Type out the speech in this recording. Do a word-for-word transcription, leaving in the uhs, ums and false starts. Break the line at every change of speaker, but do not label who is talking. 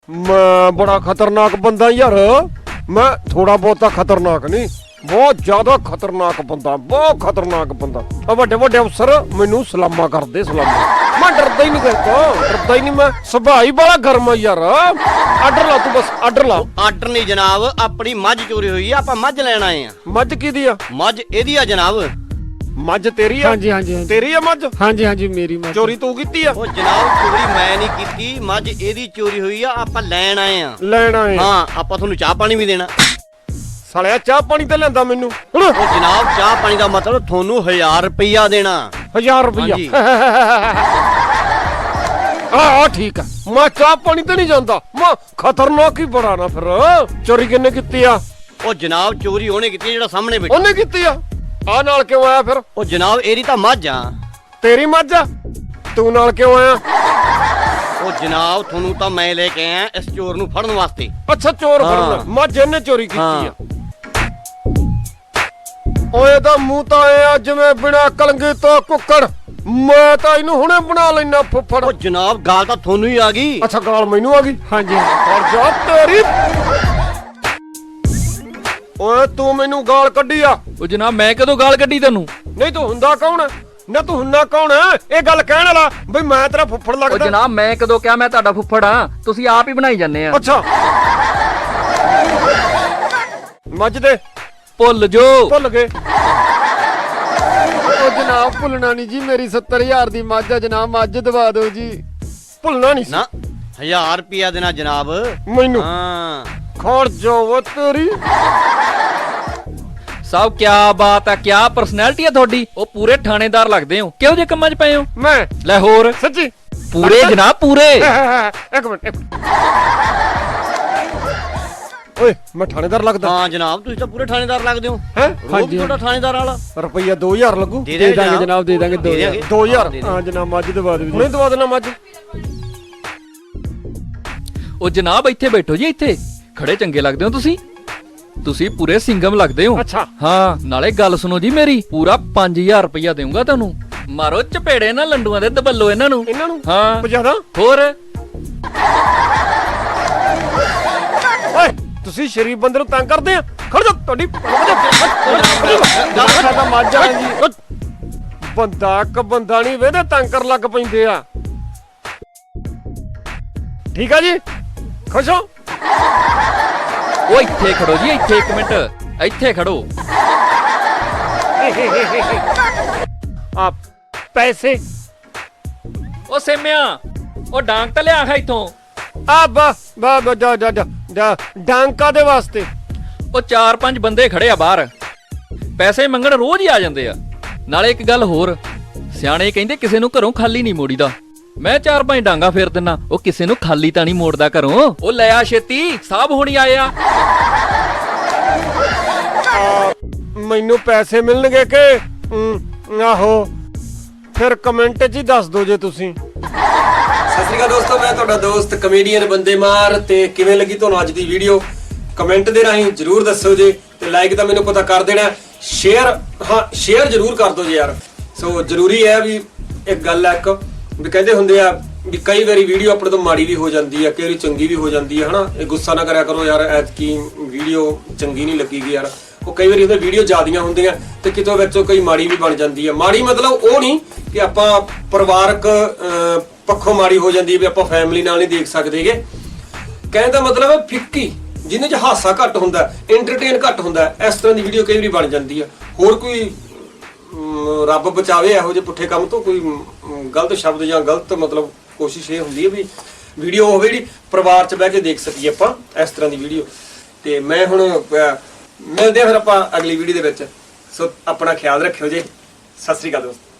मैं बड़ा खतरनाक बंदा यार। मैं थोड़ा बहुता खतरनाक नहीं, बहुत ज्यादा खतरनाक बंदा, बहुत खतरनाक बंदा। ਵੱਡੇ ਵੱਡੇ अफसर मैनू सलामा करदे, सलामा। मैं डरदा ही नहीं करता, डरदा ही नहीं। मैं सुभाਅ ही बड़ा गर्म है यार। आर्डर ला तू, बस आर्डर ला।
ਆਰਡਰ ਨਹੀਂ ਜਨਾਬ, ਆਪਣੀ ਮੱਝ ਚੋਰੀ ਹੋਈ ਆ, ਆਪਾਂ ਮੱਝ ਲੈਣ ਆਏ ਆ।
मझ किहदी आ?
ਮੱਝ ਇਹਦੀ ਆ ਜਨਾਬ।
मझ तेरी आ?
हाँ जी हाँ जी हाँ जी
तेरी आ मझ?
हाँ जी हाँ जी मेरी मझ।
चोरी तू कीती आ?
ਉਹ ਜਨਾਬ ਚੋਰੀ ਮੈਂ ਨਹੀਂ ਕੀਤੀ, ਮੱਝ ਇਹਦੀ ਚੋਰੀ ਹੋਈ ਆ, ਆਪਾਂ ਲੈਣ ਆਏ ਆ।
ਲੈਣ ਆਏ
ਹਾਂ, ਆਪਾਂ ਤੁਹਾਨੂੰ ਚਾਹ ਪਾਣੀ ਵੀ ਦੇਣਾ।
ਸਾਲਿਆ ਚਾਹ ਪਾਣੀ ਤੇ ਲੈਂਦਾ ਮੈਨੂੰ ਹੁਣ।
ਉਹ ਜਨਾਬ ਚਾਹ ਪਾਣੀ ਦਾ ਮਤਲਬ ਤੁਹਾਨੂੰ ਹਜ਼ਾਰ ਰੁਪਈਆ ਦੇਣਾ।
ਹਜ਼ਾਰ ਰੁਪਈਆ?
ਹਾਂਜੀ।
ਆ ਆ ਠੀਕ ਆ, ਮੈਂ ਚਾਹ ਪਾਣੀ ਤੇ ਨਹੀਂ ਜਾਂਦਾ। ਮੈਂ ਖਤਰਨਾਕ ਹੀ ਬੜਾ ਨਾ ਫਿਰ। ਚੋਰੀ ਕਿੰਨੇ ਕੀਤੀ ਆ?
ਉਹ ਜਨਾਬ ਚੋਰੀ ਉਹਨੇ ਕੀਤੀ ਆ ਜਿਹੜਾ ਸਾਹਮਣੇ ਬੈਠਾ।
ਉਹਨੇ ਕੀਤੀ ਆ? ਆ ਨਾਲ ਕਿਉਂ ਆਇਆ ਫਿਰ?
ਉਹ ਜਨਾਬ ਇਹਦੀ ਤਾਂ ਮੱਝ ਆ।
ਤੇਰੀ ਮੱਝ ਆ? ਤੂੰ ਨਾਲ ਕਿਉਂ ਆਇਆ?
ਉਹ ਜਨਾਬ ਤੁਹਾਨੂੰ ਤਾਂ ਮੈਂ ਲੈ ਕੇ ਆਇਆ ਇਸ ਚੋਰ ਨੂੰ ਫੜਨ ਵਾਸਤੇ।
ਅੱਛਾ ਚੋਰ
ਹਾਂ।
ਫੜਨਾ। ਮੱਝ ਇਹਨੇ ਚੋਰੀ ਕੀਤੀ
ਹਾਂ।
ਆ? ਓਏ ਦਾ ਮੂੰਹ ਤਾਂ ਐ ਆ ਜਿਵੇਂ ਬਿਨਾ ਕਲੰਗੀ ਤੋਂ ਕੁੱਕੜ। ਮੈਂ ਤਾਂ ਇਹਨੂੰ ਹੁਣੇ ਬਣਾ ਲੈਣਾ ਫੁੱਫੜ।
ਉਹ ਜਨਾਬ ਗਾਲ ਤਾਂ ਤੁਹਾਨੂੰ ਹੀ ਆ ਗਈ।
ਅੱਛਾ ਗਾਲ ਮੈਨੂੰ ਆ ਗਈ?
हाँ जी हाँ
ਔਰ ਜਾ ਤੇਰੀ। ਓਏ ਤੂੰ ਮੈਨੂੰ ਗਾਲ ਕੱਢੀ ਆ?
ਉਹ ਜਨਾਬ ਮੈਂ ਕਦੋਂ ਗਾਲ ਕੱਢੀ ਤੈਨੂੰ?
ਨਹੀਂ ਤੂੰ ਹੁੰਦਾ ਕੌਣ? ਨਾ ਤੂੰ ਹੁੰਦਾ ਕੌਣ? ਇਹ ਗੱਲ ਕਹਿਣ ਵਾਲਾ ਬਈ ਮੈਂ ਤੇਰਾ ਫੁੱਫੜ
ਉਹ
ਲੱਗਦਾ?
ਜਨਾਬ ਮੈਂ ਕਦੋਂ ਕਿਹਾ ਮੈਂ ਤੁਹਾਡਾ ਫੁੱਫੜ ਆ? ਤੁਸੀਂ ਆਪ ਹੀ ਬਣਾਈ ਜਾਂਦੇ ਆ।
ਅੱਛਾ ਮੱਝ ਦੇ
ਭੁੱਲ ਜੋ।
ਭੁੱਲ ਗਏ।
ओ जनाब भुलना नहीं जी, मेरी सत्तर हजार दी मझ है जनाब, मझ दबा दो जी।
ਭੁੱਲਣਾ ਨਹੀਂ ਸੀ
ਨਾ ਹਜ਼ਾਰ ਰੁਪਈਆ ਦੇਣਾ ਜਨਾਬ।
ਮੈਨੂੰ।
ਹਾਂ
ਖੜ ਜਾਓ ਤੇਰੀ।
ਸਾਹਿਬ ਕੀ ਬਾਤ ਆ, ਕੀ ਪਰਸਨੈਲਿਟੀ ਆ ਤੁਹਾਡੀ। ਉਹ ਪੂਰੇ ਥਾਣੇਦਾਰ ਲੱਗਦੇ ਹੋ। ਕਿਹੋ ਜਿਹੇ ਕੰਮਾਂ 'ਚ ਪਏ ਹੋ?
ਮੈਂ
ਲੈ ਹੋਰ
ਸੱਚੀ?
ਪੂਰੇ ਜਨਾਬ ਪੂਰੇ।
ਇੱਕ ਮਿੰਟ ਇੱਕ ਮਿੰਟ। ਓਏ ਮੈਂ ਥਾਣੇਦਾਰ ਲੱਗਦਾ?
ਹਾਂ ਜਨਾਬ ਤੁਸੀਂ ਤਾਂ ਪੂਰੇ ਥਾਣੇਦਾਰ ਲੱਗਦੇ ਹੋ।
ਹੈ
ਰੋਬ ਤੁਹਾਡਾ ਥਾਣੇਦਾਰ ਵਾਲਾ।
ਰੁਪਈਆ ਦੋ ਹਜ਼ਾਰ ਲੱਗੂ?
ਦੇ
दे देंगे जनाब, दे देंगे दो हजार।
ਦੋ ਹਜ਼ਾਰ?
हाँ जनाब मझ दबा दो
ਹੁਣੇ
जी।
ਦਵਾ ਦੇਣਾ ਮੱਝ।
ਉਹ ਜਨਾਬ ਇੱਥੇ ਬੈਠੋ ਜੀ, ਇੱਥੇ ਖੜੇ ਚੰਗੇ ਲੱਗਦੇ ਹੋ ਤੁਸੀਂ। ਤੁਸੀਂ ਪੂਰੇ ਸਿੰਗਮ ਲੱਗਦੇ ਹੋ।
ਅੱਛਾ
ਹਾਂ ਨਾਲੇ ਗੱਲ ਸੁਣੋ ਜੀ ਮੇਰੀ, ਪੂਰਾ ਪੰਜ ਹਜ਼ਾਰ ਰੁਪਇਆ ਦੇਊਂਗਾ ਤੁਹਾਨੂੰ। ਮਾਰੋ ਚਪੇੜੇ ਨਾ ਲੰਡੂਆਂ ਦੇ, ਦਬੱਲੋ ਇਹਨਾਂ ਨੂੰ।
ਇਹਨਾਂ ਨੂੰ
ਹਾਂ
ਜਿਆਦਾ?
ਹੋਰ
ਓਏ ਤੁਸੀਂ ਸ਼ਰੀਫ ਬੰਦੇ ਨੂੰ ਤੰਗ ਕਰਦੇ ਆ? ਖੜ ਜਾ ਤੁਹਾਡੀ
सादा मझ है जी।
ਬੰਦਾ ਇੱਕ ਬੰਦਾ ਨਹੀਂ ਵੇਦੇ ਤੰਗ ਕਰਨ ਲੱਗ ਪੈਂਦੇ ਆ। ਠੀਕ ਆ ਜੀ, ਖੁਸ਼ ਹੋ?
ਉਹ ਇੱਥੇ ਖੜੋ ਜੀ, ਇੱਥੇ ਇੱਕ ਮਿੰਟ ਇੱਥੇ ਖੜੋ।
ਆ ਪੈਸੇ
ਉਹ ਸੇਮਿਆ ਉਹ ਡਾਂਗ ਤਾਂ ਲਿਆ ਖਾ ਇੱਥੋਂ।
ਆ ਬਾ ਬਾ ਬਾ ਜਾ ਜਾ ਜਾ ਜਾ ਡਾਂਕਾ ਦੇ ਵਾਸਤੇ।
ਉਹ ਚਾਰ ਪੰਜ ਬੰਦੇ ਖੜੇ ਆ ਬਾਹਰ, ਪੈਸੇ ਮੰਗਣ ਰੋਜ਼ ਹੀ ਆ ਜਾਂਦੇ ਆ। ਨਾਲੇ ਇੱਕ ਗੱਲ ਹੋਰ, ਸਿਆਣੇ ਕਹਿੰਦੇ ਕਿਸੇ ਨੂੰ ਘਰੋਂ ਖਾਲੀ ਨਹੀਂ ਮੋੜੀਦਾ। ਮੈਂ ਚਾਰ ਪੰਜ ਡਾਂਗਾ ਫੇਰ ਦਿੰਨਾ, ਉਹ ਕਿਸੇ ਨੂੰ ਖਾਲੀ ਤਾਂ ਨਹੀਂ ਮੋੜਦਾ ਘਰੋਂ। ਉਹ ਲੈ ਆ ਛੇਤੀ, ਸਾਹਿਬ ਹੋਣੀ ਆਏ ਆ।
ਮੈਨੂੰ ਪੈਸੇ ਮਿਲਣਗੇ ਕਿ ਹਮ, ਆਹੋ ਫਿਰ ਕਮੈਂਟ 'ਚ ਹੀ ਦੱਸ ਦਿਓ ਜੇ ਤੁਸੀਂ।
ਸਤਿ ਸ਼੍ਰੀ ਅਕਾਲ ਦੋਸਤੋ, ਮੈਂ ਤੁਹਾਡਾ ਦੋਸਤ ਕਮੇਡੀਅਨ ਬੰਦੇ ਮਾਰ। ਤੇ ਕਿਵੇਂ ਲੱਗੀ ਤੁਹਾਨੂੰ ਅੱਜ ਦੀ ਵੀਡੀਓ ਕਮੈਂਟ ਦੇ ਰਾਹੀਂ ਜਰੂਰ ਦੱਸੋ ਜੀ। ਤੇ ਲਾਈਕ ਤਾਂ ਮੈਨੂੰ ਪਤਾ ਕਰ ਦੇਣਾ, ਸ਼ੇਅਰ ਹਾਂ ਸ਼ੇਅਰ ਜਰੂਰ ਕਰ ਦਿਓ ਜੀ ਯਾਰ। ਸੋ ਜ਼ਰੂਰੀ ਹੈ ਵੀ ਇੱਕ ਗੱਲ ਹੈ, ਇੱਕ ਵੀ ਕਹਿੰਦੇ ਹੁੰਦੇ ਆ ਵੀ ਕਈ ਵਾਰੀ ਵੀਡੀਓ ਆਪਣੇ ਤੋਂ ਮਾੜੀ ਵੀ ਹੋ ਜਾਂਦੀ ਹੈ, ਕਈ ਵਾਰੀ ਚੰਗੀ ਵੀ ਹੋ ਜਾਂਦੀ ਹੈ ਹਨਾ। ਇਹ ਗੁੱਸਾ ਨਾ ਕਰਿਆ ਕਰੋ ਯਾਰ, ਐਤਕੀ ਵੀਡੀਓ ਚੰਗੀ ਨਹੀਂ ਲੱਗੀਗੀ ਯਾਰ। ਉਹ ਕਈ ਵਾਰੀ ਉਹਦੇ ਵੀਡੀਓ ਜ਼ਿਆਦੀਆਂ ਹੁੰਦੀਆਂ ਤੇ ਕਿਤੋਂ ਵਿੱਚੋਂ ਕਈ ਮਾੜੀ ਵੀ ਬਣ ਜਾਂਦੀ ਹੈ। ਮਾੜੀ ਮਤਲਬ ਉਹ ਨਹੀਂ ਕਿ ਆਪਾਂ ਪਰਿਵਾਰਕ ਪੱਖੋਂ ਮਾੜੀ ਹੋ ਜਾਂਦੀ ਹੈ ਵੀ ਆਪਾਂ ਫੈਮਿਲੀ ਨਾਲ ਨਹੀਂ ਦੇਖ ਸਕਦੇਗੇ। ਕਹਿਣ ਦਾ ਮਤਲਬ ਹੈ ਫਿੱਕੀ, ਜਿਹਦੇ 'ਚ ਹਾਸਾ ਘੱਟ ਹੁੰਦਾ, ਐਂਟਰਟੇਨ ਘੱਟ ਹੁੰਦਾ, ਇਸ ਤਰ੍ਹਾਂ ਦੀ ਵੀਡੀਓ ਕਈ ਵਾਰੀ ਬਣ ਜਾਂਦੀ ਹੈ। ਹੋਰ ਕੋਈ ਰੱਬ ਬਚਾਵੇ ਇਹੋ ਜਿਹੇ ਪੁੱਠੇ ਕੰਮ ਤੋਂ, ਕੋਈ ਗਲਤ ਸ਼ਬਦ ਜਾਂ ਗਲਤ ਮਤਲਬ ਕੋਸ਼ਿਸ਼ ਇਹ ਹੁੰਦੀ ਹੈ ਵੀ ਵੀਡੀਓ ਹੋਵੇ ਜਿਹੜੀ ਪਰਿਵਾਰ 'ਚ ਬਹਿ ਕੇ ਦੇਖ ਸਕੀਏ ਆਪਾਂ, ਇਸ ਤਰ੍ਹਾਂ ਦੀ ਵੀਡੀਓ। ਤੇ ਮੈਂ ਹੁਣ ਮਿਲਦੇ ਹਾਂ ਫਿਰ ਆਪਾਂ ਅਗਲੀ ਵੀਡੀਓ ਦੇ ਵਿੱਚ। ਸੋ ਆਪਣਾ ਖਿਆਲ ਰੱਖਿਓ ਜੀ। ਸਤਿ ਸ੍ਰੀ ਅਕਾਲ ਦੋਸਤੋ।